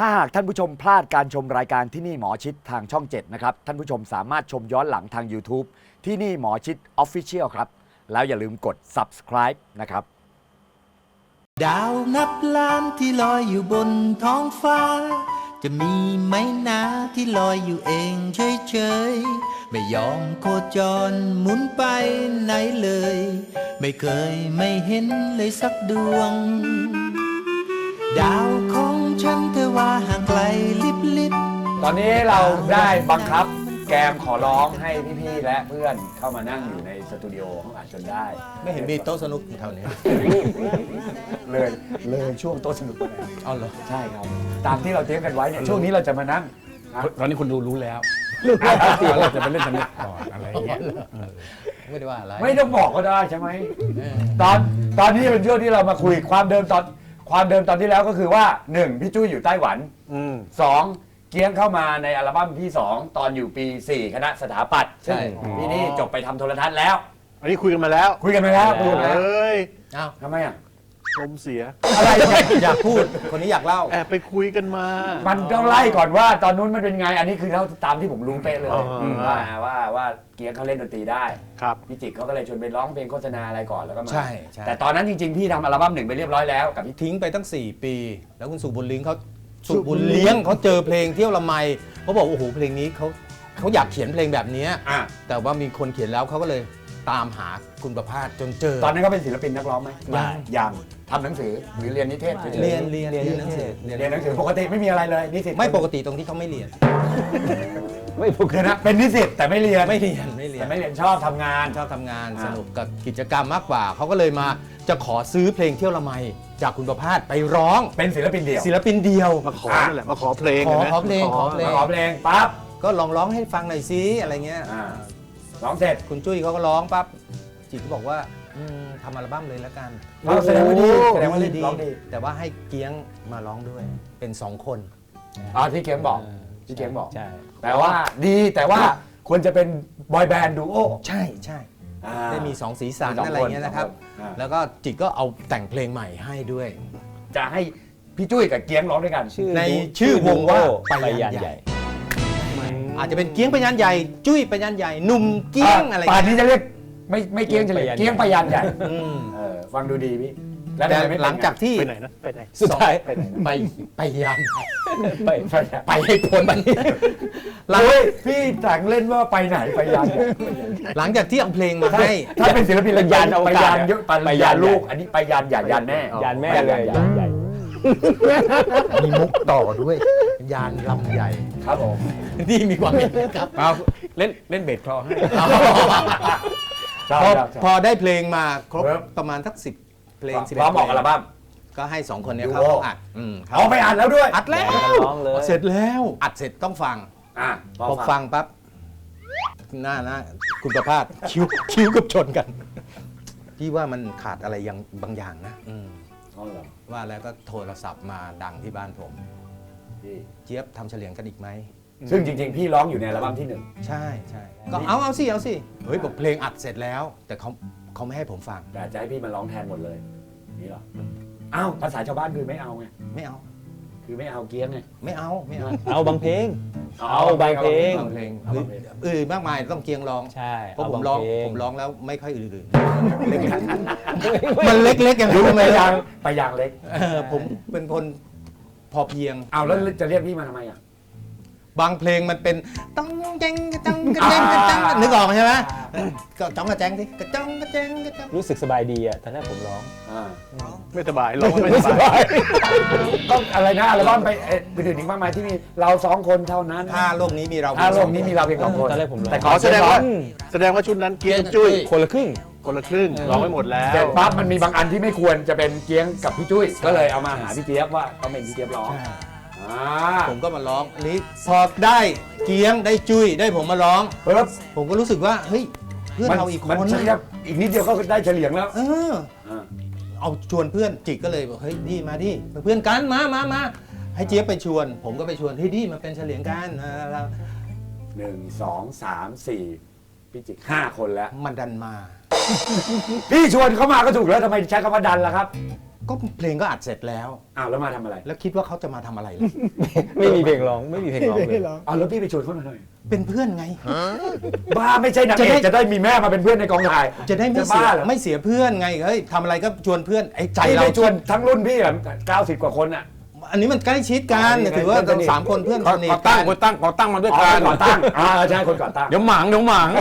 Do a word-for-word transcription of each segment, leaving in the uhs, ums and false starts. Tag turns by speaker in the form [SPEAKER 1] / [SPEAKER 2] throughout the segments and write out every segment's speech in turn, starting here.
[SPEAKER 1] ถ้าหากท่านผู้ชมพลาดการชมรายการที่นี่หมอชิดทางช่องเจ็ดนะครับท่านผู้ชมสามารถชมย้อนหลังทาง YouTube ที่นี่หมอชิด Official ครับแล้วอย่าลืมกด Subscribe นะครับ
[SPEAKER 2] ดาวนับล้านที่ลอยอยู่บนท้องฟ้าจะมีไหมนะที่ลอยอยู่เองเฉยๆไม่ยอมโคจรหมุนไปไหนเลยไม่เคยไม่เห็นเลยสักดวงดาวของฉันเธอว่าห่างไกลลิบลิบ
[SPEAKER 1] ตอนนี้เราได้บังคับแกมขอร้องให้พี่ๆและเพื่อนเข้ามานั่งอยู่ในสตูดิโอห้องอัดจนได้
[SPEAKER 2] ไม่เห็นมีโต๊ะสนุกแถวนี้
[SPEAKER 1] เลยเลยช่วงโต๊ะสนุกไปแล้ว
[SPEAKER 2] เอาเหรอ
[SPEAKER 1] ใช่ครับตามที่เราเตรียมกันไว้เนี่ยช่วงนี้เราจะมานั่ง
[SPEAKER 3] ตอนนี้คุณดูรู้แล้วว่าเราจะไปเล่นสนุกก่อนอะไรอย่างเงี้ย
[SPEAKER 2] ไม่ได้ว่าอะไร
[SPEAKER 1] ไม่ต้องบอกก็ได้ใช่ไหมตอนตอนนี้เป็นช่วงที่เรามาคุยความเดิมตอนความเดิมตอนที่แล้วก็คือว่าหนึ่งพี่จุ้ยอยู่ไต้หวันสองเกียงเข้ามาในอัลบั้มที่สองตอนอยู่ปีสี่คณะสถาปัตย์ซึ่งปีนี้จบไปทำโทรทัศน์แล้ว
[SPEAKER 3] อันนี้คุยกันมาแล้ว
[SPEAKER 1] คุยกันไปแล้วคุยกันไป
[SPEAKER 3] เอ
[SPEAKER 1] แล้ว
[SPEAKER 3] ้ย
[SPEAKER 2] อ้าว
[SPEAKER 1] ทำไมอ่ะ
[SPEAKER 3] ลมเสีย
[SPEAKER 1] อะไรเนี่ย
[SPEAKER 2] อยากพูดคนนี้อยากเล่า
[SPEAKER 3] แอบไปคุยกันมา
[SPEAKER 1] มันต้องไล่ก่อนว่าตอนนู้นมันเป็นไงอันนี้คือเท่าตามที่ผมรู้เป๊ะเลย
[SPEAKER 3] อ๋ออื
[SPEAKER 1] มว่าว่าว่าเกียงเขาเล่นดนตรีได้
[SPEAKER 3] ครับ
[SPEAKER 1] พี่จิกเขาก็เลยชวนไปร้องเพลงโฆษณาอะไรก่อนแล้วก็มา
[SPEAKER 2] ใช่ใช่
[SPEAKER 1] แต่ตอนนั้นจริงๆพี่ทำอัลบั้มหนึ่งไปเรียบร้อยแล้วกับพี่
[SPEAKER 2] ทิ้งไปตั้งสี่ปี แล้วคุณสุบุญเลี้ยงเขาสุบุญเลี้ยงเขาเจอเพลงเที่ยวละไมเขาบอกโอ้โหเพลงนี้เขาเขาอยากเขียนเพลงแบบนี้
[SPEAKER 1] อ่ะ
[SPEAKER 2] แต่ว่ามีคนเขียนแล้วเขาก็เลยตามหาคุณประภาสจนเจอ
[SPEAKER 1] ตอนนั้นเขาเป็นศิลปินนักร้องไหม
[SPEAKER 2] ยัง
[SPEAKER 1] ยังทำหนังสือหรือเรียนนิเทศฉๆ
[SPEAKER 2] เรียนเรียนเรียนหนังสือ
[SPEAKER 1] เรียนหนังสือปกติไม่มีอะไรเลยนิสิต
[SPEAKER 2] ไม่ปกติตรงที่เขาไม่เรียน
[SPEAKER 1] ไม่ปกตินะเป็นนิสิตแต่ไม่เรียน
[SPEAKER 2] ไม่เรียนไม่เรีย
[SPEAKER 1] แต่
[SPEAKER 2] น
[SPEAKER 1] ไม่เรียนชอบทำงาน
[SPEAKER 2] ชอบทำงาน
[SPEAKER 1] อ่า
[SPEAKER 2] สนุกกับกิจกรรมมากกว่าเขาก็เลยมาจะขอซื้อเพลงเที่ยวละไมจากคุณประภาสไปร้อง
[SPEAKER 1] เป็นศิลปินเดี่ยว
[SPEAKER 2] ศิลปินเดียว
[SPEAKER 3] มาขอนั่นแหละ มาขอเพลง
[SPEAKER 2] ขอ
[SPEAKER 3] ห็นไหม
[SPEAKER 2] ขอเพลงขอเพล
[SPEAKER 1] มาขอเพลงปั๊บ
[SPEAKER 2] ก็ลองร้องให้ฟังหน่อยซิอะไรเงี้ย
[SPEAKER 1] อ่าร้องเสร็จ
[SPEAKER 2] คุณจุ้ยเขาก็ร้องปั๊บจิตก็บอกว่าอืมทำอัลบั้มเลยแล้วกัน
[SPEAKER 1] เราแสดงว่าดีแสดงว่า
[SPEAKER 2] ดี
[SPEAKER 1] ร้องดี
[SPEAKER 2] แต่ว่าให้เกียงมาร้องด้วยเป็นสองคน
[SPEAKER 1] อ๋อที่เกียงบอกที่เกียงบอก
[SPEAKER 4] ใช่
[SPEAKER 1] แต่ว่าดีแต่ว่าควรจะเป็นบอยแบนด์ดูโอ
[SPEAKER 2] ใช่ใช่
[SPEAKER 1] อ่า
[SPEAKER 2] ได้มีสองสีสัน
[SPEAKER 1] มีสองคน
[SPEAKER 2] อะไรเงี้ยนะครับ
[SPEAKER 1] สองคนอ่า
[SPEAKER 2] แล้วก็จิตก็เอาแต่งเพลงใหม่ให้ด้วย
[SPEAKER 1] จะให้พี่จุ้ยกับเกียงร้องด้วยกัน
[SPEAKER 2] ในชื่อวงว่า
[SPEAKER 4] ไป
[SPEAKER 2] ไป
[SPEAKER 4] ยั
[SPEAKER 2] ยั
[SPEAKER 4] น
[SPEAKER 2] น
[SPEAKER 4] ให
[SPEAKER 2] ให
[SPEAKER 4] ญ่
[SPEAKER 2] ญ่ อาจจะเป็นเกียงไปยันใหญ่ จุ้ยไปยันใหญ่หนุ่มเกียงอะไร
[SPEAKER 1] ป่าน
[SPEAKER 2] เงี้ย
[SPEAKER 1] นี้จะเรียกไม่ไม่เกียงจะเรียกเกียงไปยันใหญ่
[SPEAKER 2] อืม
[SPEAKER 1] เออฟังดูดีพี่แล้ว
[SPEAKER 2] แต่
[SPEAKER 1] ทำไมไม่เป็น
[SPEAKER 2] หลังจากที่
[SPEAKER 3] ไปไหนนะ ไปไหน
[SPEAKER 2] สุดท้าย
[SPEAKER 1] ไปไหน
[SPEAKER 2] ไปไปยัน
[SPEAKER 1] ไปไป
[SPEAKER 2] ไปให้พ้นไปหลัง
[SPEAKER 1] เฮ้ยพี่แต่งเล่นว่าไปไหนไปยัน
[SPEAKER 2] หลังจากที่เอาเพลงมา
[SPEAKER 1] ถ้า
[SPEAKER 2] ให้
[SPEAKER 1] ถ้าเป็นศิลปิน
[SPEAKER 4] ไปยันอว
[SPEAKER 1] ไป
[SPEAKER 4] กาศ
[SPEAKER 1] ยันเยอะไปยันลูก อันนี้ไปยันอย่ายันแม่
[SPEAKER 4] ยานแม่เลยยานใหญ่
[SPEAKER 2] มีมุกต่อด้วย ยานลำใหญ่
[SPEAKER 1] ครับผม
[SPEAKER 2] นี่มีความเห็นครับ
[SPEAKER 4] เอาเล่นเล่นเบสคลอให้
[SPEAKER 1] ชอบ
[SPEAKER 2] พอ
[SPEAKER 1] ชอบช
[SPEAKER 2] พ
[SPEAKER 1] อบ
[SPEAKER 2] อได้เพลงมาครบ
[SPEAKER 1] ครับ
[SPEAKER 2] ประมาณสักสิบเพลงสิบ
[SPEAKER 1] พร้อมออกอัลบั้ม
[SPEAKER 2] ก็ให้สองคนเนี้ย
[SPEAKER 1] ดู
[SPEAKER 2] เขา
[SPEAKER 1] โอ
[SPEAKER 2] อัดอืมครับ
[SPEAKER 1] เอาไปอ่านแล้วด้วย
[SPEAKER 2] อัดแล้ว
[SPEAKER 4] ร้องเลย
[SPEAKER 2] เสร็จแล้วอัดเสร็จต้องฟัง
[SPEAKER 1] อ่ะ
[SPEAKER 2] พอฟังปั๊บหน้าหน้าคุณประภาสคิ้วคิ้วกับชนกันพี่ว่ามันขาดอะไรยังบางอย่างนะอืม
[SPEAKER 1] เอาเหรอ
[SPEAKER 2] ว่าแล้วก็โทรศัพท์มาดังที่บ้านผม
[SPEAKER 1] พี่
[SPEAKER 2] เจี๊ยบทำเฉลียงกันอีกไหม
[SPEAKER 1] ซึ่งจริงๆ พี่ร้องอยู่ในอัลบั้มที่หนึ่ง
[SPEAKER 2] ใช่ใช่ก็เอาเอาสิเอาสิเฮ้ยบอกเพลงอัดเสร็จแล้ว แต่เขาเขาไม่ให้ผมฟัง
[SPEAKER 1] แต่จะให้พี่มาร้องแทนหมดเลยนี่เหรออ้าวภาษาชาวบ้านคือไม่เอาไง
[SPEAKER 2] ไม่เอา
[SPEAKER 1] คือไม่เอาเกี้ยงไง
[SPEAKER 2] ไม่เอาไม่เอา
[SPEAKER 4] เอาบางเพลง เอาบางเพลง
[SPEAKER 2] บางเพลง
[SPEAKER 1] เอาบางเพลง
[SPEAKER 2] เออมากมายต้องเกียงร้อง
[SPEAKER 4] ใช่
[SPEAKER 2] เพราะผม
[SPEAKER 4] เาบ
[SPEAKER 2] ร้อง
[SPEAKER 4] เพล
[SPEAKER 2] ผมร้องแล้วไม่ค่อยอื่นๆเล็กๆมันเล็กๆอย่าง
[SPEAKER 1] หรื
[SPEAKER 2] นี้
[SPEAKER 1] อ
[SPEAKER 2] ทำไม
[SPEAKER 1] ไป
[SPEAKER 2] ล่ะ
[SPEAKER 1] ยางไปยางเล็ก
[SPEAKER 2] เออผมเป็นคนพอเพียง
[SPEAKER 1] เอาแล้วจะเรียกพี่มาทำไมอ่ะ
[SPEAKER 2] บางเพลงมันเป็นต้องแจงกระจังกระแจงกระจังนึกออกใช่ไหมก็จ้องกระแจงสิกระจังกระแจงกระจัง
[SPEAKER 4] รู้สึกสบายดีอ่ะตอนแรกผมร้อง
[SPEAKER 1] อ่า
[SPEAKER 3] ไม่สบายร้องไม่สบาย
[SPEAKER 1] ต้องอะไรนะอัลบั้มไปเอ่อไปถึงอีกมากมายที่มีเราสองคนเท่านั้น
[SPEAKER 2] ถ้าโลกนี้มีเรา
[SPEAKER 1] ถ้าโลกนี้มีเราเพียงสองคน
[SPEAKER 4] ตอนแรกผมร้อง
[SPEAKER 1] แต่
[SPEAKER 3] ขอแสดงว่า แสดงว่าชุดนั้นเกียงกับจุ้ย
[SPEAKER 4] คนละครึ่ง
[SPEAKER 3] คนละครึ่งร้องไม่หมดแล้ว
[SPEAKER 1] เสร็จปั๊บมันมีบางอันที่ไม่ควรจะเป็นเกียงกับพี่จุ้ยก็เลยเอามาหาพี่เจี๊ยบว่าต้องเป็นพี่เจี๊ยบร้อง
[SPEAKER 2] ใช่
[SPEAKER 1] อ่า
[SPEAKER 2] ผมก็มาร้องอันนี้พอได้เกียงได้จุ้ยได้ผมมาร้อง
[SPEAKER 1] ปึ๊บ
[SPEAKER 2] ผมก็รู้สึกว่าเฮ้ยเพื่อนเราอีกคน
[SPEAKER 1] มันเฉลี่ยอีกนิดเดียวก็ได้เฉลียงแล้ว
[SPEAKER 2] เออ
[SPEAKER 1] อ่า
[SPEAKER 2] เอาชวนเพื่อนจิกก็เลยบอกเฮ้ยดีมาดิเป็นเพื่อนกันมามามาให้เจี๊ยบไปชวน ผมก็ไปชวนเฮ้ยดีมาเป็นเฉลียงกันอ่าแล้ว
[SPEAKER 1] หนึ่งสองสามสี่พี่จิกห้าคนแล้ว
[SPEAKER 2] มันดันมา
[SPEAKER 1] พี่ชวนเขามาก็ถูกแล้วทำไมใช้คำว่าดันล่ะครับ
[SPEAKER 5] ก็เพลงก็อัดเสร็จแล้ว
[SPEAKER 1] อ้าวแล้วมาทำอะไร
[SPEAKER 5] แล้วคิดว่าเขาจะมาทำอะไรล่ะ
[SPEAKER 4] ไม่มีเพลงร้องไม่มีเพลงร้องเลย
[SPEAKER 1] อ้าวแล้วพี่ไปชวนเขาหน่อย
[SPEAKER 5] เป็นเพื่อนไง
[SPEAKER 1] บ้าไม่ใช่นาง
[SPEAKER 5] จะ
[SPEAKER 1] เอ
[SPEAKER 5] ได้
[SPEAKER 1] กจะได้มีแม่มาเป็นเพื่อนในกองถ่าย
[SPEAKER 5] จะได้ไม่
[SPEAKER 1] จะ
[SPEAKER 5] เสีย
[SPEAKER 1] บ้าเหรอ
[SPEAKER 5] ไม่เสียเพื่อนไงเฮ้ยทำอะไรก็ชวนเพื่อนไอ้ใจ
[SPEAKER 1] พี่
[SPEAKER 5] เรา
[SPEAKER 1] ไปชวนทั้งรุ่นพี่แบบเก้าสิบกว่าคนอ่ะ
[SPEAKER 5] อันนี้มันใกล้ชิดกัน
[SPEAKER 1] อ๋อนี่
[SPEAKER 5] ถือว่า
[SPEAKER 1] เพื่อนสนิท
[SPEAKER 5] สามคนเพื่อน
[SPEAKER 3] ขอ
[SPEAKER 5] สนิท
[SPEAKER 3] ขอตั้
[SPEAKER 5] กั
[SPEAKER 3] ง
[SPEAKER 5] น
[SPEAKER 3] คนตั้งขอตั้งมาด้วย
[SPEAKER 1] อ๋อ
[SPEAKER 3] กัน
[SPEAKER 1] คนก่อตั้งอ่าใช่คนก่อตั้ง
[SPEAKER 3] เดี๋ยวหมางเดี๋ยวหมาง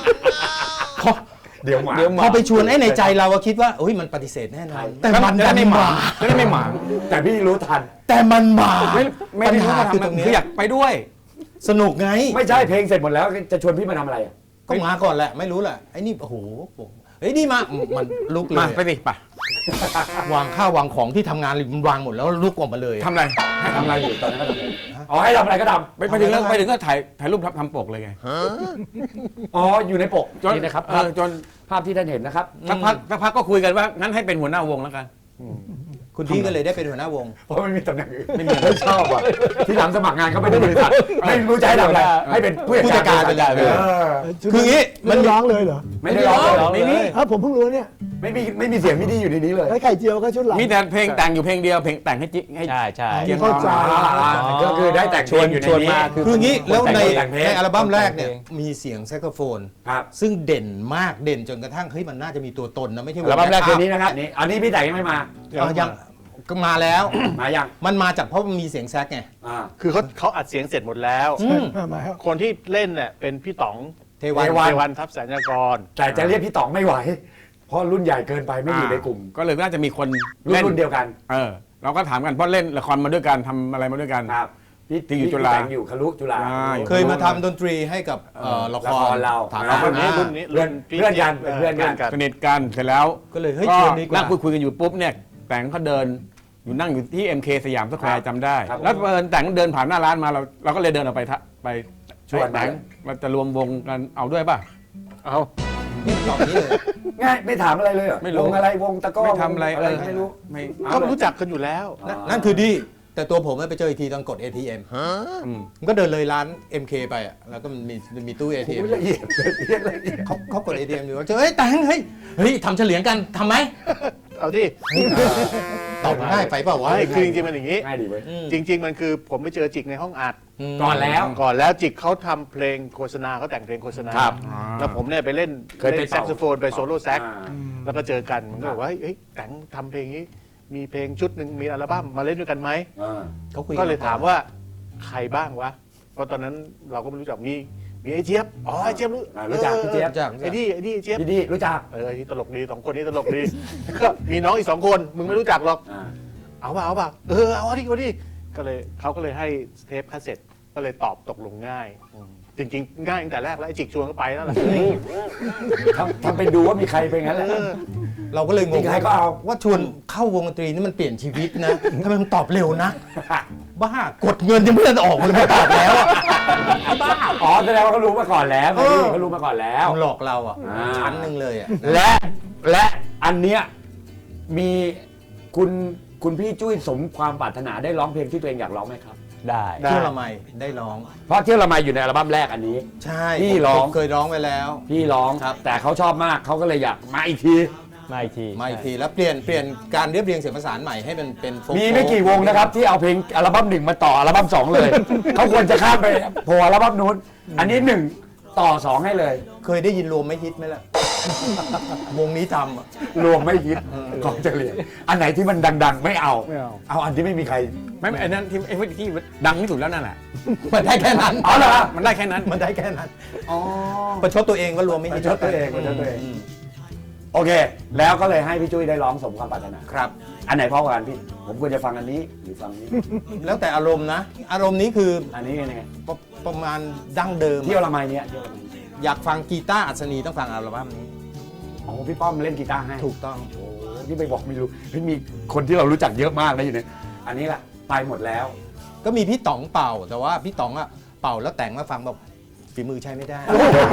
[SPEAKER 1] เดี๋ยวหมา
[SPEAKER 3] เดี๋ยวหมา
[SPEAKER 5] พอไปชวนไอ้ในใจเราอะคิดว่าโอ้ยมันปฏิเสธแน่นอนแต่มัน
[SPEAKER 3] จะ
[SPEAKER 5] ดั
[SPEAKER 3] ได้
[SPEAKER 5] น
[SPEAKER 3] ไม่ห
[SPEAKER 5] มา
[SPEAKER 3] มางจะได้ไม่หมาง
[SPEAKER 1] แต่พี่รู้ทัน
[SPEAKER 5] แต่มันมา
[SPEAKER 3] ไม่ไม่
[SPEAKER 5] ปัญ
[SPEAKER 3] ได้รู้
[SPEAKER 5] หา
[SPEAKER 3] ว่า
[SPEAKER 5] คือ
[SPEAKER 3] ทำ
[SPEAKER 5] ตรงเนี้
[SPEAKER 3] คือย อยากไปด้วย
[SPEAKER 5] สนุกไง
[SPEAKER 1] ไม่ใช่เพลงเสร็จหมดแล้วจะชวนพี่มาทำอะไรอะ
[SPEAKER 5] ก็มาก่อนแหละไม่รู้แหละไอ้นี่โอ้โหเฮ้ยนี่มามันลุกเล
[SPEAKER 3] มาย ไปสิไป
[SPEAKER 5] วางข้าววางของที่ทำงานมันวางหมดแล้วลุกออกมาเลย
[SPEAKER 3] ทำอะไร
[SPEAKER 1] ให้ทำอะไรอยู่ตอนนั้นก็ทำอะไรอ๋อให้ทำอะไรก็ท
[SPEAKER 3] ไปไปถึงก็ไปถึงก็ถ่ายถ่ายรูปทำปกเลยไง
[SPEAKER 1] ำอ๋ออยู่ในปก
[SPEAKER 3] จน
[SPEAKER 1] นี่นะครับ
[SPEAKER 3] เอ
[SPEAKER 1] ภาพ
[SPEAKER 3] อจน
[SPEAKER 1] ภาพที่ท่านเห็นนะครับ
[SPEAKER 3] สักพักสักพักก็คุยกันว่างั้นให้เป็นหัวหน้าวงแล้วกัน
[SPEAKER 5] คุณพี่ก็เลยได้เป็นหัวหน้าวง
[SPEAKER 1] เพราะไม่มีตำแหน่งอื่นไม่มีไม่ชอบอ่ะที่หลังสมัครงานเขาไม่ได้บริษัทไม่รู้จะให้ทำอะไรให้เป็นผู้
[SPEAKER 5] ผู้จัดการไปเลย
[SPEAKER 1] เออ
[SPEAKER 5] คืออย่างงี้
[SPEAKER 6] มันร้องเลยเหรอ
[SPEAKER 1] ไม่ได้ร้องเลยเหรอไม่มี
[SPEAKER 6] เออผมเพิ่งรู้เนี่ย
[SPEAKER 1] ไม่มีไม่มีเสียงมิดีอยู่ในนี้เลย
[SPEAKER 6] แล้วไข่เจียวก็ชุดหลัง
[SPEAKER 3] มีแต่เพลงแต่งอยู่เพลงเดียวเพลงแต่งให้จิให้
[SPEAKER 4] ใช่ใช่
[SPEAKER 3] เกียง
[SPEAKER 6] เข้าใจ
[SPEAKER 1] อ่าก็คือได้แต่ง
[SPEAKER 3] ชวน
[SPEAKER 1] เพลงอยู่ใน
[SPEAKER 3] ชวน
[SPEAKER 1] นี้
[SPEAKER 3] มาคือ
[SPEAKER 5] คืออย่างงี้แล้วใน
[SPEAKER 1] แต่งเพลง
[SPEAKER 5] ในอัลบั้มแรกเนี่ยมีเสียงแซกโซโฟน
[SPEAKER 1] ครับ
[SPEAKER 5] ซึ่งเด่นมากเด่นจนกระทั่งเฮ้ยมันน่าจะมีตัวตนนะไม่ใช่ว
[SPEAKER 1] อัลบั้มแรก
[SPEAKER 5] ม่
[SPEAKER 1] คืนนี้นะครับนี่อันนี้พี่แต่งยังไม่มา
[SPEAKER 5] เอายังก็มาแล้ว
[SPEAKER 1] มายัง
[SPEAKER 5] มันมาจากเพราะมันมีเสียงแซกไง
[SPEAKER 1] อ่า
[SPEAKER 7] คือเขาเขาอัดเสียงเสร็จหมดแล้ว
[SPEAKER 5] อืม
[SPEAKER 6] มามาครับ
[SPEAKER 7] คนที่เล่นเนี่ยเป็นพี่ต๋อง
[SPEAKER 5] เทวัน
[SPEAKER 1] เทวัน
[SPEAKER 7] เทวันทัพแสนยากร
[SPEAKER 1] แต่จะเรียกพี่ต๋องไม่ไหว เพราะรุ่นใหญ่เกินไปไม่อยู่ในกลุ่ม
[SPEAKER 3] ก็เลยน่าจะมีคน
[SPEAKER 1] รุ่น
[SPEAKER 3] เล่น
[SPEAKER 1] รุ่นเดียวกัน
[SPEAKER 3] เออเราก็ถามกันเพราะเล่นละครมาด้วยกันทำอะไรมาด้วยกัน
[SPEAKER 1] ครับพี่
[SPEAKER 3] ที่อยู่จุฬา
[SPEAKER 1] พี่แต่งอยู่คลุจุฬา
[SPEAKER 3] ใช่
[SPEAKER 5] เคยมาทำดนตรีให้กับเอ่อละค
[SPEAKER 1] ละค
[SPEAKER 5] ร
[SPEAKER 1] รเรา
[SPEAKER 5] ถาม
[SPEAKER 1] อ่า
[SPEAKER 5] เรา
[SPEAKER 7] รุ่นนี้
[SPEAKER 5] อ่า
[SPEAKER 7] รุ่นนี้
[SPEAKER 1] เพื่อน
[SPEAKER 7] พี่
[SPEAKER 1] เพื่อนกันเป็นเพื่อนกัน
[SPEAKER 7] กัน
[SPEAKER 3] สนิทกันเสร็จแล้ว
[SPEAKER 5] ก็เลยเฮ้ย
[SPEAKER 3] ก็
[SPEAKER 5] ชวนดีกว่า
[SPEAKER 3] นั่งคุยคุยกันอยู่ปุ๊บเนี่ยแต่งเขาเดินอยู่นั่งอยู่ที่ เอ็ม เค สยามสแควร์จำได้
[SPEAKER 1] ครับ
[SPEAKER 3] แล้วเอิญแต่งเดินผ่านหน้าร้านมาเราเราก็เลยเดินออกไปทะไป
[SPEAKER 1] ชวน
[SPEAKER 3] แต่งเราจะรวมวงกันเอาด้วยป่ะ
[SPEAKER 7] เอา
[SPEAKER 5] นี่ตอบนี้เลย
[SPEAKER 1] ง่ายไม่ถามอะไรเลยเหรอ
[SPEAKER 3] ไม่รู้
[SPEAKER 1] วงอะไรวงตะกร้อ
[SPEAKER 3] ไม่ทำอะไร
[SPEAKER 1] วงอะไร
[SPEAKER 3] เออ
[SPEAKER 1] ไม่รู้
[SPEAKER 3] ไม่
[SPEAKER 7] ก็รู้จักกันอยู่แล้ว
[SPEAKER 5] นั่นนั่นคือดี แต่ตัวผมไปเจออีกทีตอนกด เอ ที เอ็ม
[SPEAKER 3] อืม
[SPEAKER 5] มันก็เดินเลยร้าน เอ็ม เค ไปอ่ะแล้วก็มันมีมีตู้ เอ ที เอ็ม
[SPEAKER 1] โอ้ยละเอียดละเอียดละเอียด
[SPEAKER 5] เขาเขากด เอ ที เอ็มอยู่เจอเฮ้ยแต่งเฮ้ยเฮ้ยทำเฉลียงกันทำไหม
[SPEAKER 7] เอาที่
[SPEAKER 5] ตอบง่ายไปเปล่าวะ
[SPEAKER 7] ไม่คือจริงๆมันอย่างนี้
[SPEAKER 1] ง่ายดีเว้ย
[SPEAKER 5] อืม
[SPEAKER 7] จริง ๆ มันคือผมไปเจอจิกในห้องอัด
[SPEAKER 1] ก่อนแล้ว
[SPEAKER 7] ก่อนแล้วจิกเขาทำเพลงโฆษณาเขาแต่งเพลงโฆษณา
[SPEAKER 1] ครับ
[SPEAKER 7] แล้วผมเนี่ยไปเล่น
[SPEAKER 1] เคยไป
[SPEAKER 7] เล่นแซกโซโฟนไปโซโล่แซก
[SPEAKER 1] อ่า
[SPEAKER 7] แล้วก็เจอกันมันก็บอกว่าเฮ้ยแต่งทำเพลงนี้ มีเพลงชุดหนึ่งมีอัลบั้มมาเล่นด้วยกันไหม
[SPEAKER 1] อ่า
[SPEAKER 5] เขาคุย
[SPEAKER 7] ก็เลยถามว่าใครบ้างวะ เพราะตอนนั้นเราก็ไม่รู้จักมีมีไอ้เจี๊ยบ อ๋อไอ้เจี๊ยบรู้
[SPEAKER 1] อ่ารู้จักพี่เจี๊ยบ
[SPEAKER 5] จาก
[SPEAKER 7] ไอ้นี่ไอ้นี่ไอ้เจี๊ยบ
[SPEAKER 1] พี่ดีรู้จัก
[SPEAKER 7] เออไอ้นี่ตลกดีสองคนนี้ตลกดี ก็มีน้องอีกสองคนมึงไม่รู้จักหรอก
[SPEAKER 1] อ่า
[SPEAKER 7] เอาป่ะเอาป่ะเออเอาดิเอาดิก็เลยเขาก็เลยให้เทปคาสเซ็ตก็เลยตอบตกลงง่ายอืมจริงๆ ง่ายตั้งแต่แรกแล้วไอ้จิกชวนก็ไปแล้วล่ะ
[SPEAKER 1] ทำทำเป็นดูว่ามีใครเป็นงั้นแหละ
[SPEAKER 7] เออ
[SPEAKER 5] เราก็เลยง
[SPEAKER 1] จริ
[SPEAKER 5] ง
[SPEAKER 1] งๆใครก็เอา
[SPEAKER 5] ว่าชวนเข้าวงดนตรีนี่มันเปลี่ยนชีวิตนะทำไมมันตอบเร็วนะ บ้ากดเงินยังไม่ทันออกเลยมาตอบแล้วอะบ้า
[SPEAKER 1] อ๋อแสดงว่าเขารู้มาก่อนแล้ว
[SPEAKER 5] เออ
[SPEAKER 1] เขารู้มาก่อนแล้ว
[SPEAKER 5] มันหลอกเราอ่ะ
[SPEAKER 1] อ่า
[SPEAKER 5] ชั้นหนึ่งเลยอ่ะ
[SPEAKER 1] และและอันเนี้ยมีคุณคุณพี่จุ้ยสมความปรารถนาได้ร้องเพลงที่ตัวเองอยากร้องไหมครับ
[SPEAKER 4] ได้
[SPEAKER 7] ได้
[SPEAKER 5] เที่ยวละไมได้ร้อง
[SPEAKER 1] เพราะเที่ยวละไมอยู่ในอัลบั้มแรกอันนี้
[SPEAKER 5] ใช่
[SPEAKER 1] พี่ร้อง
[SPEAKER 5] ผมเคยร้องไปแล้ว
[SPEAKER 1] พี่ร้อง
[SPEAKER 5] ครับ
[SPEAKER 1] แต่เขาชอบมากเขาก็เลยอยากมาอีกที
[SPEAKER 4] มาอีกที
[SPEAKER 5] มาอีกทีแล้วเปลี่ยนเปลี่ยนการเรียบเรียงเสียงประสานใหม่ให้มันเป็นโฟล์
[SPEAKER 1] มีไม่กี่วงนะครับ ที่เอาเพลงอัลบั้มหนึ่งมาต่ออัลบั้มสองเลย เขาควรจะข้ามไปโผล่อัลบั้มนู้นอันนี้หนึ่งต่อสองให้เลย
[SPEAKER 5] เคยได้ยินรวมไม่ฮิตไหมล่ะ วงนี้ทำอะ
[SPEAKER 1] รวมไม่ฮิตของเฉลี่ยอันไหนที่มันดัง ๆ ไม่เอา
[SPEAKER 3] ไม่เอา
[SPEAKER 1] เอาอันที่ไม่มีใคร
[SPEAKER 3] ไม่ไอ้นั่นที่ไอ้ที่ดังที่สุดแล้วนั่นแหละ
[SPEAKER 5] มันได้แค่นั้น
[SPEAKER 1] เอาเหรอ
[SPEAKER 3] มันได้แค่นั้น
[SPEAKER 5] มันได้แค่นั้น
[SPEAKER 1] อ๋อ
[SPEAKER 5] ประชดตัวเองว่ารวมไม่
[SPEAKER 1] ป
[SPEAKER 5] ฮิ
[SPEAKER 1] ระ
[SPEAKER 5] ต
[SPEAKER 1] ชดตัวเองประชดตัวเอง โอเค แล้วก็เลยให้พี่จุ้ยได้ร้องสมความปรารถนา
[SPEAKER 5] ครับ
[SPEAKER 1] อันไหนเพราะกว่ากันพี่ ผมควรจะฟังอันนี้หรือฟังนี้
[SPEAKER 5] แล้วแต่อารมณ์นะ อารมณ์นี้คือ
[SPEAKER 1] อันนี้ยังไง
[SPEAKER 5] ประประมาณดั้งเดิม
[SPEAKER 1] เที่ยวละไมเนี่ยเที่ยวละไม
[SPEAKER 5] อยากฟังกีตาร์อัศนีต้องฟังอัลบั้มนี้
[SPEAKER 1] อ๋อพี่ป้อมเล่นกีตาร์ให้
[SPEAKER 5] ถูกต้อง
[SPEAKER 1] โอ้ที่ไปบอกไม่รู้เฮ้ยมีคนที่เรารู้จักเยอะมากนะอยู่เนี่ยอันนี้แหละไปหมดแล้ว
[SPEAKER 5] ก็มีพี่ต๋องเป่า แต่ว่าพี่ต๋องอะเป่าแล้วแต่งมาฟังแบบฝีมือใช้ไม่ได้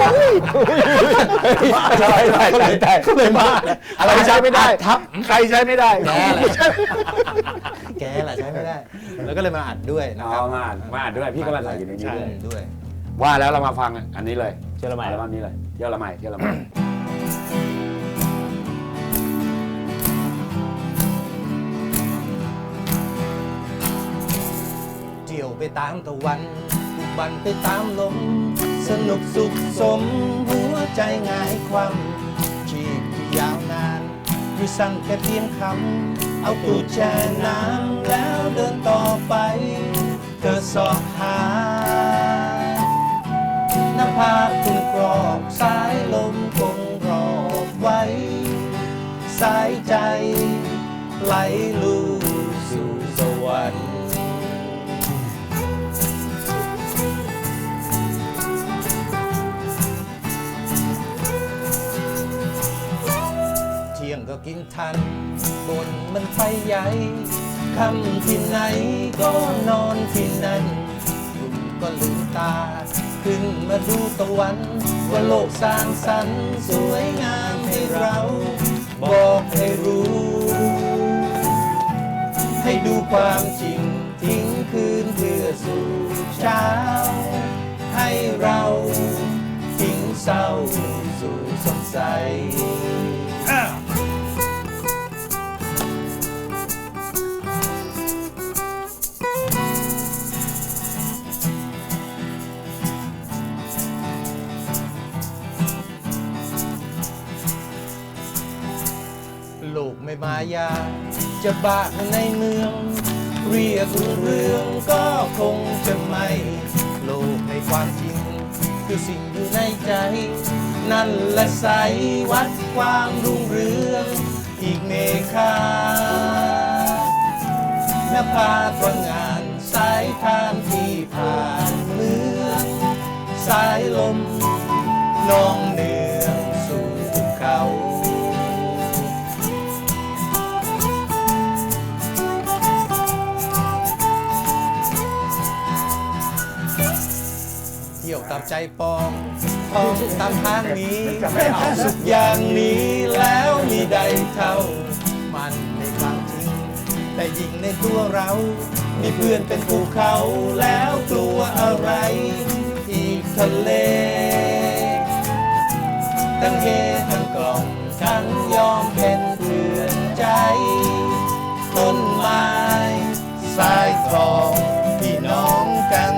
[SPEAKER 1] ใช่ใช่ใช่ใช่
[SPEAKER 5] ก็เลยมา
[SPEAKER 1] อะไรใช้ไม่ได้
[SPEAKER 5] ทับ
[SPEAKER 7] ใครใช้ไม่ได้
[SPEAKER 5] แกแหละแกแหละใช้ไม่ได้ แล้วก็เลยมาอัดด้วยนะ
[SPEAKER 1] อ๋
[SPEAKER 5] ครั
[SPEAKER 1] อบ มาอ่านมาอ่านด้วยพี่ก็มาใส่อยู่ในนี้
[SPEAKER 7] ใช่
[SPEAKER 1] ด้วย
[SPEAKER 5] ด้วย
[SPEAKER 1] ว่าแล้วเรามาฟังอันนี้เลย
[SPEAKER 4] เชื่อละไหม
[SPEAKER 1] อัลบั้มนี้เลยเที่ยวละไมเที่ยวละไม
[SPEAKER 5] เที่ยวไปตามตะวันบุกบันไปตามลมสนุกสุขสมหัวใจง่ายความชีพที่ยาวนานมีสั่งแค่เพียงคำเอาตูดแช่น้ำแล้วเดินต่อไปเธอสอบหาหน้าผาคุณกรอบสายลมคงรอบไว้สายใจไหลลู่สู่สวรรค์เที่ยงก็กินทันบนมันไปใหญ่คำที่ไหนก็นอนที่นั่นคุณก็ลืมตาขึ้นมาดูตะวันว่าโลกสร้างสรรค์สวยงามให้เราบอกให้รู้ ให้ดูความจริงทิ้งคืนเพื่อสู่เช้าให้เราทิ้งเศร้าสู่สดใสโลกไม่มายาจะบ้าในเมืองเรียกเรื่องก็คงจะไม่โลกในความจริงคือสิ่งอยู่ในใจนั่นแหละใสวัดความรุ่งเรืองอีกเมฆาหน้าผาตระงานสายทางที่ผ่านเมืองสายลมน้องเนืองสู่ภูเขาเที่ยวตามใจปองท่องตามทางนี้สุขอย่างนี้แล้วมีใดเท่ามันในความจริงแต่ยิ่งในตัวเรามีเพื่อนเป็นภูเขาแล้วกลัวอะไรอีกทะเลทั้งเฮทั้งกล่อมทั้งยอมเป็นเพื่อนใจต้นไม้สายทองพี่น้องกัน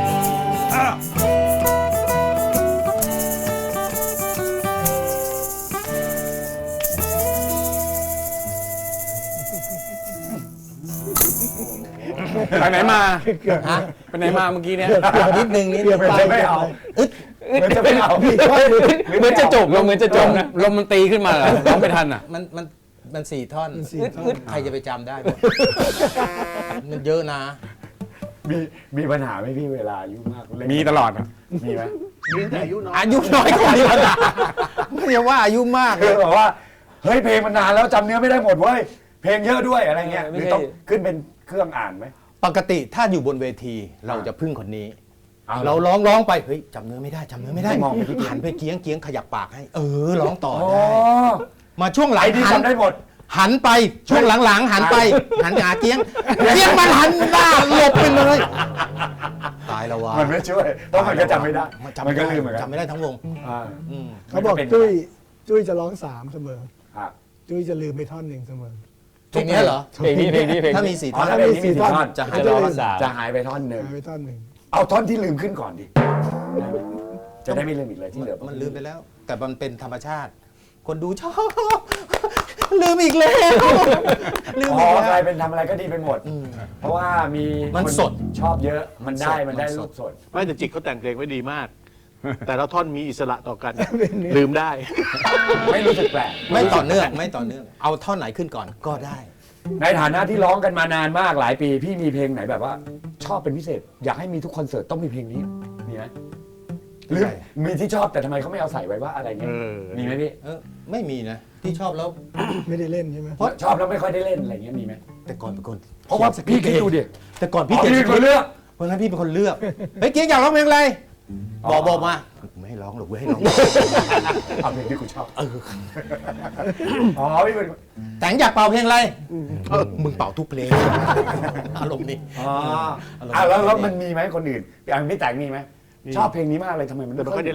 [SPEAKER 3] ไปไหนมา
[SPEAKER 6] เกือบ
[SPEAKER 5] ฮะ
[SPEAKER 3] ไปไหนมาเมื่อกี้เนี่ย
[SPEAKER 5] เกือบเกือบนิดนึงนิดนึง
[SPEAKER 1] เหมือนจะไม่เอา
[SPEAKER 5] อึด
[SPEAKER 1] เหมือนจะไม่เอา
[SPEAKER 3] เหมือนจะจบลมเหมือนจะจบนะลมมันตีขึ้นมาเหรอร้องไม่ทันอ่ะ
[SPEAKER 5] มันมันมันสี่ท่อน
[SPEAKER 6] มันสี่ท่อน
[SPEAKER 5] อึดใครจะไปจำได้หมดมันเยอะนะ
[SPEAKER 1] มีมีปัญหาไหมพี่เวลาอายุมากเล่น
[SPEAKER 3] มีตลอดอ่ะ
[SPEAKER 1] มีไหม
[SPEAKER 7] มีแต่อายุน้อย
[SPEAKER 5] อายุน้อยกว่านี้นะไม่ใช่ว่าอายุมาก
[SPEAKER 1] คือแบบว่าเฮ้ยเพลงมันนานแล้วจำเนื้อไม่ได้หมดเว้ยเพลงเยอะด้วยอะไรเงี้ยหรือต้องขึ้นเป็นเครื่องอ่านไหม
[SPEAKER 5] ปกติถ้าอยู่บนเวทีเราจะพึ่งคนนี้
[SPEAKER 1] เอา
[SPEAKER 5] เราร้องร้องไปเฮ้ยจำเนื้อไม่ได้จำเนื้อไม่ได้
[SPEAKER 1] มองไปที่เกียง
[SPEAKER 5] หันไปเกียงเกียงขยับปากให้ เออร้องต่อ
[SPEAKER 1] อ๋อ
[SPEAKER 5] ได้มาช่วงหลัง
[SPEAKER 1] ไอ้ที่
[SPEAKER 5] หัน
[SPEAKER 1] จำได้หมด
[SPEAKER 5] หันไปช่วงหลังๆ หันไป หันหาเกียงเกียงมันหันหน้าหลบไปเลยตายแล้ววะ
[SPEAKER 1] มันไม่ช่วยต้องมันก็จำไม่ได้
[SPEAKER 5] จำ
[SPEAKER 1] มันก็ลืมเหมือนกัน
[SPEAKER 5] จำไม่ได้ทั้งวง
[SPEAKER 1] อ่า
[SPEAKER 5] อืม
[SPEAKER 6] เขาบอกจุ้ยจุ้ยจะร้องสามเสมอ
[SPEAKER 1] ครับ
[SPEAKER 6] จุ้ยจะลืมไปท่อนหนึ่งเสมอ
[SPEAKER 5] เพลงนี้เหรอ
[SPEAKER 4] เพลงนี้เพลงนี้เพลง
[SPEAKER 5] ถ้า
[SPEAKER 4] นี้
[SPEAKER 5] มีสี่
[SPEAKER 1] อ๋อ
[SPEAKER 5] ท่อน
[SPEAKER 1] ถ้าเพลงนี้มีสี่ท่อน
[SPEAKER 5] จะหา
[SPEAKER 4] จะ
[SPEAKER 5] ย
[SPEAKER 4] ร้อง
[SPEAKER 5] ไป
[SPEAKER 4] สาม
[SPEAKER 1] จะหายไปท่อนหนึ่ง
[SPEAKER 6] หายไปท่อนหนึ่ง
[SPEAKER 1] เอาท่อนที่ลืมขึ้นก่อนดิจะได้ไม่ลืมอีกเลยที่เหลือ
[SPEAKER 5] มันลืมไปแล้ว แต่มันเป็นธรรมชาติ คนดูชอบ ลืมอีกแล้วลืม
[SPEAKER 1] อ๋
[SPEAKER 5] อี
[SPEAKER 1] อก
[SPEAKER 5] แล้
[SPEAKER 1] กลายว เป็นทำอะไรก็ดีไปหมด
[SPEAKER 5] อืม
[SPEAKER 1] เพราะว่ามี
[SPEAKER 5] มัน
[SPEAKER 1] ค
[SPEAKER 5] สด
[SPEAKER 1] ชอบเยอะมันได้
[SPEAKER 5] มันสด
[SPEAKER 1] มันได้
[SPEAKER 5] มันสด
[SPEAKER 1] รูปสด
[SPEAKER 7] ไม่แต่จิตเขาแต่งเพลงไว้ดีมาก แต่ละท่อนมีอิสระต่อกัน ลืมได้
[SPEAKER 1] ไม่รู้สึกแปลก
[SPEAKER 5] ไม่ต่อเนื่องไม่ต่อเนื่อง เอาท่อนไหนขึ้นก่อนก็ได้
[SPEAKER 1] ในฐานะที่ร้องกันมานานมากหลายปี พี่มีเพลงไหนแบบว่า ชอบเป็นพิเศษ อยากให้มีทุกคอนเสิร์ตต้องมีเพลงนี้มีไหมหรือมีที่ชอบแต่ทำไมเขาไม่เอาใส่ไว้ว่าอะไรเงี้ย
[SPEAKER 7] เออ
[SPEAKER 1] มีไหมพี่
[SPEAKER 5] เออไม่มีนะ ที่ชอบแล้ว
[SPEAKER 6] ไม่ได้เล่นใช่ไหม
[SPEAKER 1] เพราะชอบแล้วไม่ค่อยได้เล่นอะไรเงี้ยมีไหม
[SPEAKER 5] แต่ก่อนเป็นคน
[SPEAKER 1] เพราะว่าพี่คิดดูดิ
[SPEAKER 5] แต่ก่อน
[SPEAKER 1] พี่
[SPEAKER 5] พี่
[SPEAKER 1] เขี
[SPEAKER 5] เขี
[SPEAKER 1] ย
[SPEAKER 5] ย
[SPEAKER 1] น
[SPEAKER 5] น
[SPEAKER 1] คนเลือก
[SPEAKER 5] เพราะงั้นพี่เป็นคนเลือกเฮ้ยเกียงอยากร้องเพลงอะไร
[SPEAKER 1] อ๋อ
[SPEAKER 5] บอกบอกมาไม่ให้ร้องหรอกเว้ยให้ร้อง
[SPEAKER 1] เอาเพลงที่กูชอบอ๋อพี่เป็น
[SPEAKER 5] แต่งอยากเป่าเพลงอะไรเออมึงเป่าทุกเพลงอารมณ์นี้
[SPEAKER 1] อ๋ออ่ะแล้วแล้วมันมีไหมคนอื่นอย่างพี่แต่งมีไหมชอบเพลงนี้มากเลยทำไมมัน
[SPEAKER 7] แต่ไม่ค่อยได้เล่น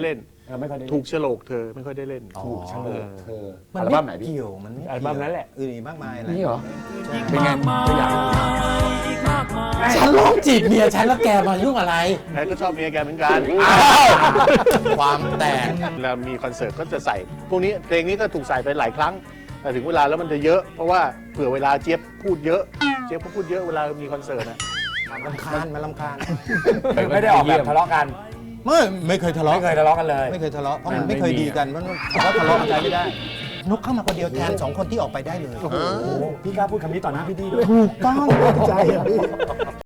[SPEAKER 1] เออไม่ค่อยได้
[SPEAKER 7] ถูกโฉลกเธอไม่ค่อยได้เล่น
[SPEAKER 1] ถูกเฉลยเธอ
[SPEAKER 5] มั
[SPEAKER 1] อั
[SPEAKER 5] น
[SPEAKER 1] ล
[SPEAKER 5] ไม่
[SPEAKER 1] บั้มไหนพี่
[SPEAKER 5] เกี่ยวมันไม่
[SPEAKER 4] อัลบั้มนั้นแหละ
[SPEAKER 5] อื่นอีกมากมายอะไร
[SPEAKER 1] นี่เหรอเป็นไงตัวอย่าง
[SPEAKER 5] ฉันร้องจีบเมียฉันแล้วแกมายุ่งอะไร
[SPEAKER 7] แกก็ชอบเมียแกเหมือนกัน
[SPEAKER 5] ความแตก
[SPEAKER 7] แล้วมีคอนเสิร์ตก็จะใส่ พวกนี้เพลงนี้ก็ถูกใส่ไปหลายครั้ง แต่ถึงเวลาแล้วมันจะเยอะ เพราะว่าเผื่อเวลาเจี๊ยบพูดเยอะ เจี๊ยบก็พูดเยอะเวลามีคอนเสิร์ตนะ
[SPEAKER 5] ลำคาญมาลำคาญ
[SPEAKER 1] ไม่ได้ออกแบบทะเลาะกัน
[SPEAKER 5] ไม่ไม่เคยทะเลาะ
[SPEAKER 1] ไม่เคยทะเลาะกันเลย
[SPEAKER 5] ไม่เคยทะเลาะเพราะมันไม่เคยดีกันเพราะเพราะทะเลาะกันไม่ได้นกเข้ามาคนเดียวแทนสองคนที่ออกไปได้เลย
[SPEAKER 1] โอ้โหพี่กล้าพูดคำนี้ต่อหน้าพี่ดีด้วย
[SPEAKER 5] ถูกต้อง
[SPEAKER 6] ใจอะพี่